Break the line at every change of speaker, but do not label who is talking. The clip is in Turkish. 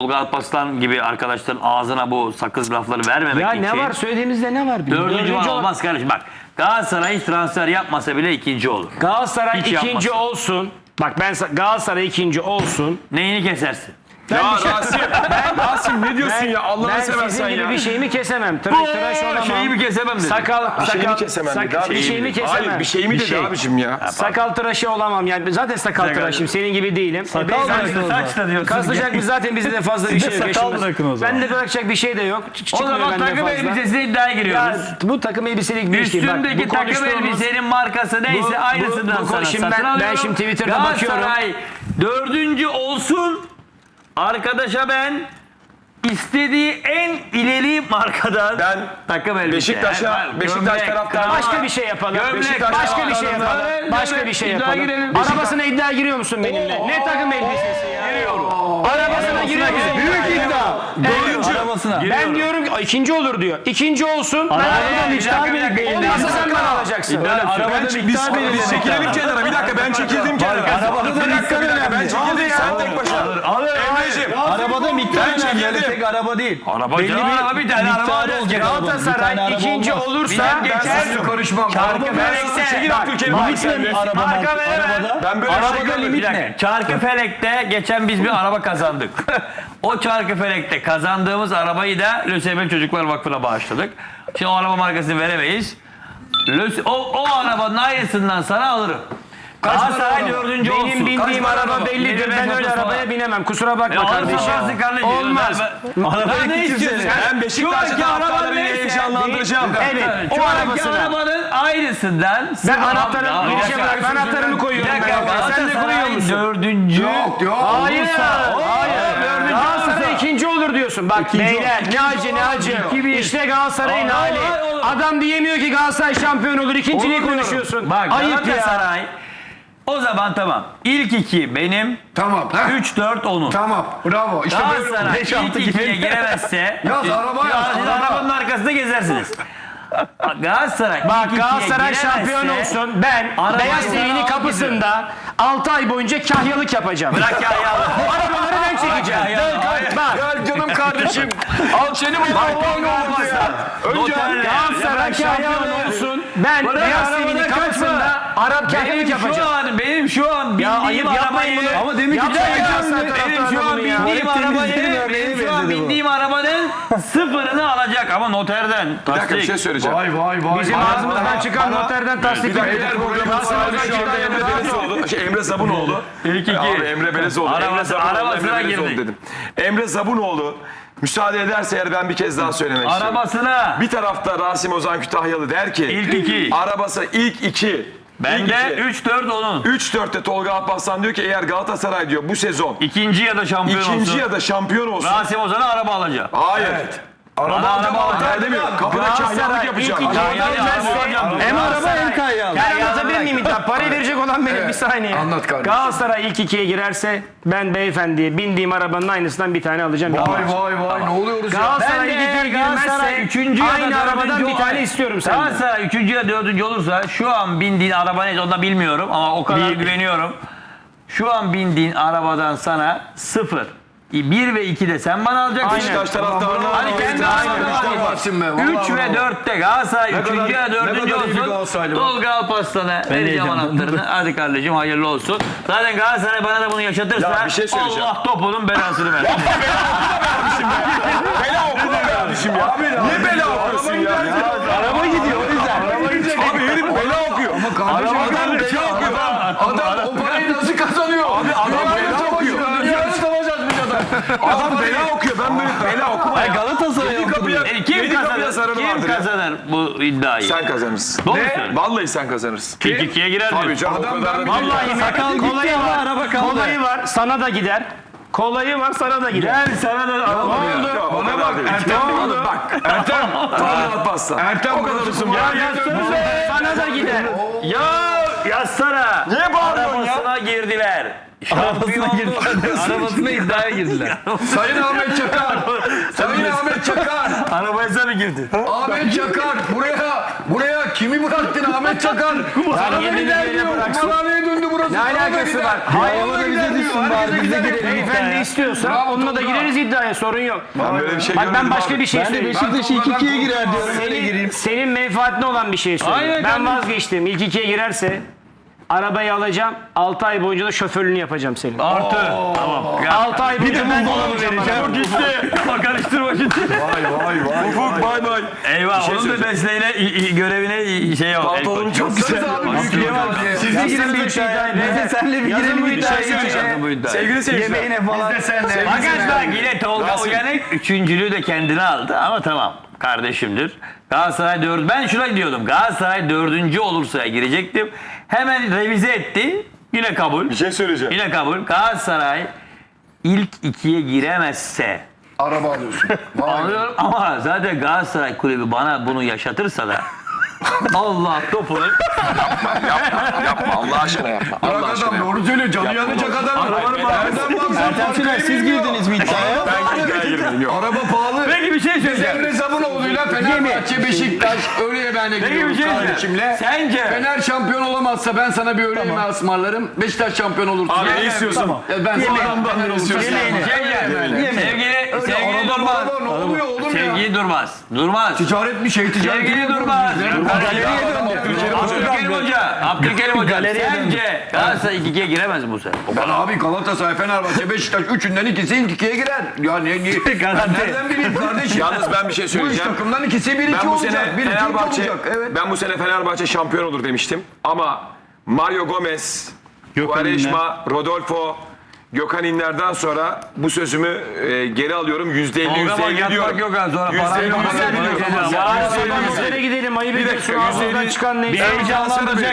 Tolga Alparslan gibi arkadaşların ağzına bu sakız lafları vermemek
Ya
için.
ne var söylediğimizde ne var?
Dördüncü var olmaz kardeşim. Bak Galatasaray hiç transfer yapmasa bile ikinci olur.
Galatasaray
Hiç
ikinci
yapmasın.
olsun. Bak ben Galatasaray ikinci olsun.
Neyini kesersin?
Rasim ne diyorsun ya Allah'ını
Ben
seversen
sizin gibi
ya.
bir şeyimi kesemem. Tıraş olamam.
Şeyimi kesemem dedi.
Sakal,
şeyimi kesemem dedi abi.
bir şeyimi kesemem.
Hayır bir şeyimi dedi
şey.
abicim ya.
Sakal tıraşı olamam yani. Zaten sakal tıraşım. Senin gibi değilim.
Sakal bırakın o zaman.
Saç da diyorsun.
Kaslayacak biz zaten bizde de fazla bir şey yok.
sakal
yaşımız.
bırakın o zaman.
Bende bırakacak bir şey de yok.
O
Çıkmıyor
zaman
bende
takım
fazla.
elbisesine iddiaya giriyoruz.
Ya, bu takım elbiselik bir şey. Bak,
Üstündeki
bu
takım
konuştuğumuz-
elbisenin markası neyse aynısından
bu-
sana
şimdi
satın
ben
alıyorum.
şimdi Twitter'da bakıyorum.
Galatasaray dördüncü olsun. Arkadaşa ben istediği en ileri markadan
Ben
takım elbise.
Beşiktaş'a, Beşiktaş taraftarı-
Başka bir şey yapalım.
Gömlek,
Başka bir şey yapalım. Başka bir şey yapalım. Arabasına iddia giriyor musun benimle? Ne takım elbisesi ya? Giriyorum. Arabasına giriyor musun? Büyük iddia.
Arabasına.
Ben diyorum ki ikinci olur diyor. İkinci olsun. Ben
miktar belirleyin.
olmazsa sen bana alacaksın.
Biz çekilelim kenara. Bir dakika ben çekildim kenara.
Arabada da miktar önemli.
Ben çekildim sen tek başına. Emre'cim.
Arabada miktar
Ben
önemli. Öyle
çekildim.
tek araba değil.
Araba
Belli
canım, araba bir tane araba
miktarı
alacağız.
olacak arabanın. Bir tane
Galatasaray
araba
ikinci
olmaz.
olursa
geçer.
Konuşmam.
Çarkı felekte.
Çekil Abdülkerim.
Limit ne araba
Marka veremem.
arabada?
Ben böyle
Arabada
şey görmedim.
limit
Bir dakika.
ne?
Çarkıfelek'te geçen biz bir araba kazandık. O Çarkıfelek'te kazandığımız arabayı da Lösemili Çocuklar Vakfı'na bağışladık. Şimdi o araba markasını veremeyiz. O arabanın aynısından sana alırım. Galatasaray dördüncü olsun.
Benim bindiğim araba bellidir. Ben öyle arabaya binemem. Kusura bakma kardeşim. Olmaz.
Araba ne istiyorsun?
Ben Beşiktaş'ta taraftarları heyecanlandıracağım.
Evet.
Şu
O
anki
arabasına.
arabanın aynısından.
Ben
Bir
anahtarımı koyuyorum.
dakika.
Sen de kuruyor
Galatasaray
musun?
dördüncü.
Hayır. Hayır. Galatasaray ikinci olur diyorsun. Bak beyler ne acı ne acı. İşte Galatasaray'ın hali. Adam diyemiyor ki Galatasaray şampiyon olur. İkinciliği konuşuyorsun.
Bak
Ayıp ya.
Galatasaray. O zaman tamam. İlk iki benim.
Tamam.
3-4 onun.
Tamam. Bravo. İşte böyle.
Galatasaray ilk ikiye giremezse
Yaz, araba yaz,
siz
araba.
arabanın arkasında gezersiniz. Galatasaray
Bak
ilk ikiye
Galatasaray
giremezse-
şampiyon olsun. Ben
Arabayı
Beyaz
sana
TV'nin
al
kapısında 6 ay boyunca kahyalık yapacağım.
Bırak ya.
Arabaları ben çekeceğim. Bak.
Gel canım kardeşim. Al seni bu Önce
Galatasaray şampiyon olsun. Ben Beyaz TV'nin kapısında Arap kahyalık yapacağım.
Benim şu an bindiğim
ayıp yapmayın
arabayı.
bunu.
Ama demin ki
Yapmayın
çekeceğim
ya.
dedi.
Benim şu an bindiğim arabanın sıfırını alacak ama noterden.
Bir dakika bir şey söyleyeceğim.
Bizim ağzımızdan çıkan noterden tasdik
Beyler programın sahibi şu anda Emre Belezoğlu. Emre Zabunoğlu.
İlk iki.
Abi Emre Belezoğlu.
Arabasına girdi.
dedim. Emre Zabunoğlu müsaade ederse eğer ben bir kez daha söylemek istiyorum.
Arabasına.
Bir tarafta Rasim Ozan Kütahyalı der ki
İlk iki.
arabası ilk iki.
Bende 3-4 onun.
3-4'te Tolga Alparslan diyor ki eğer Galatasaray diyor bu sezon
İkinci ya da şampiyon
ikinci
olsun.
ya da şampiyon olsun.
Rasim Ozan'a araba alacak.
Hayır.
Bana araba alacak.
Ben demiyorum. Kapıda kahyalık yapacağım.
Hem araba hem
kayyalı.
Ben anlatabilir miyim? Parayı verecek olan benim bir saniye.
Anlat kardeşim.
Galatasaray ilk ikiye girerse ben beyefendiye bindiğim arabanın aynısından bir tane alacağım.
Vay ne oluyoruz ya?
Galatasaray
Ben
ilk
de
ikiye
Galatasaray
girmezse
üçüncü ya da
aynı arabadan
dördüncü
bir tane
olay.
istiyorum senden.
Galatasaray 3. ya 4. olursa şu an bindiğin araba neyse onu da bilmiyorum ama o kadar güveniyorum. Şu an bindiğin arabadan sana 0. 1 ve 2 de sen bana alacaksın.
Beşiktaş taraftarına
Hadi kendi arabana. 3 ve 4'te Galatasaray 3. ya 4. olsun. Tolga Alparslan'a vereceğim anahtarını. Hadi kardeşim hayırlı olsun. Zaten Galatasaray bana da bunu yaşatırsa
Ya bir şey söyleyeceğim.
Allah topunun belasını versin.
bela okuma kardeşim ya. Niye bela okuyorsun ya?
Araba gidiyor o yüzden.
Abi herif bela okuyor. Ama kardeşim adam bela okuyor.
Adam o parayı nasıl kazanıyor? Abi
Adam bela okuyor.
Dünyada savaşacağız biz adam.
Adam bela okuyor. Ben böyle bela okuma ya.
Galatasaray'a
Yedi kapıya,
Kim
yedi kapıya sarılı
kazanır? Kim
vardır ya.
kazanır bu iddiayı?
Sen kazanırsın.
Doğru söylüyorsun.
Vallahi sen kazanırsın.
İlk ikiye girer
Tabii
mi?
canım o kadar da değil.
Vallahi
Sakal gitti
kolayı
ama
var.
araba kaldı.
Kolayı var. Sana da gider. Kolayı var sana da gider.
Gel sana da
Ya, o kadar değil.
Ne oldu?
Bak Ertem. Tolga Alparslan.
Ertem
O kadar usum ya.
Sana da gider.
Ya yazsana.
Niye bağırıyorsun ya?
Arabasına girdi girdiler. Şampiyon
Arabasına iddiaya girdiler.
Sayın Ahmet Çakar. Sayın Ahmet Çakar.
Arabaya sen girdin.
Ahmet Çakar. Buraya kimi bıraktın Ahmet Çakar? Sana
yeni
beni der
bir
diyor.
yere bıraksın.
Kumarhaneye döndü burası.
Ne
Sana
alakası
beni
var?
der.
Hayır,
Ona
bize
gider
düşsün
diyor.
bari,
Herkese
bize
gider.
girelim.
Beyefendi istiyorsa
Bravo,
onunla da
Tolga.
gireriz iddiaya, sorun yok.
Ben böyle bir şey
Bak
görmedim
ben başka
abi.
bir şey
Ben de
söyleyeyim.
Beşiktaş'ı 2-2'ye girer diyorum. Öyle gireyim.
Senin menfaatine olan bir şey söyleyeyim.
Aynen
Ben
canım.
vazgeçtim. İlk ikiye girerse arabayı alacağım. 6 ay boyunca da şoförlüğünü yapacağım senin.
Artı. Tamam.
6 ay boyunca ben
Dolabı vereceğim. Çok gitti. Bak karıştırma şimdi.
Ufuk bay bay.
Eyvah.
şey
Onun da mesleğine, görevine şey yok.
Pantolonun çok güzel.
Siz de
Siz de girin bir iddiaya. Biz de senle bir girelim iddiaya.
Bu iddia.
Sevgili seyirciler.
Yemeğine falan.
Fakat bak yine Tolga Uyanık üçüncülüğü de kendine aldı ama tamam kardeşimdir. Galatasaray 4. Ben şuna diyordum. Galatasaray 4. olursa girecektim. Hemen revize etti. Yine kabul.
Bir şey söyleyeceğim.
Yine kabul. Galatasaray ilk ikiye giremezse
araba alıyorsun. Vay.
anlıyorum ama zaten Galatasaray kulübü bana bunu yaşatırsa da Allah topunu
Yapma Allah aşkına yapma.
Bırak adam doğru söylüyor. Canı yanacak adam.
Ertem Şener siz girdiniz mi iddiaya?
Ben iddiaya girmedim yok.
Araba pahalı.
Peki bir şey söyleyeceğim.
Emre Sabunoğlu'yla Fenerbahçe, Beşiktaş öğle yemeğine
Peki bir
gidiyoruz
şey söyleyeceğim.
kardeşimle.
Sence
Fener şampiyon olamazsa ben sana bir öğle yemeği ısmarlarım. Beşiktaş şampiyon olursa.
Abi ne istiyorsun?
Ben sana Fener olursa.
Sevgili Durmaz.
Araba ne oluyor oğlum ya?
Sevgili Durmaz. Durmaz.
Ticaret mi şey ticaret
Sevgili
mi?
Durmaz.
Galeriye döndü.
Abdülkerim Hoca. Sence Galatasaray 2'ye giremez mi bu sene?
Ben abi Galatasaray, Fenerbahçe, Beşiktaş üçünden ikisi ilk ikiye girer. Ya niye? Ben nereden bileyim kardeşim?
Yalnız ben bir şey
Bu üç
söyleyeceğim.
takımdan ikisi 1-2
Ben bu
olacak.
sene
1-2
Fenerbahçe
olacak. Evet.
ben bu sene Fenerbahçe şampiyon olur demiştim. Ama Mario Gomez, Quaresma, Rodolfo, Gökhan İnler'den sonra bu sözümü geri alıyorum. %50 diyorum.
Yok ha sonra para yok.
%50
Ya sabah gidelim ayıp ediyorsun.
dakika,
Ağzından
150
çıkan neyse.
Heyecanlandıracak.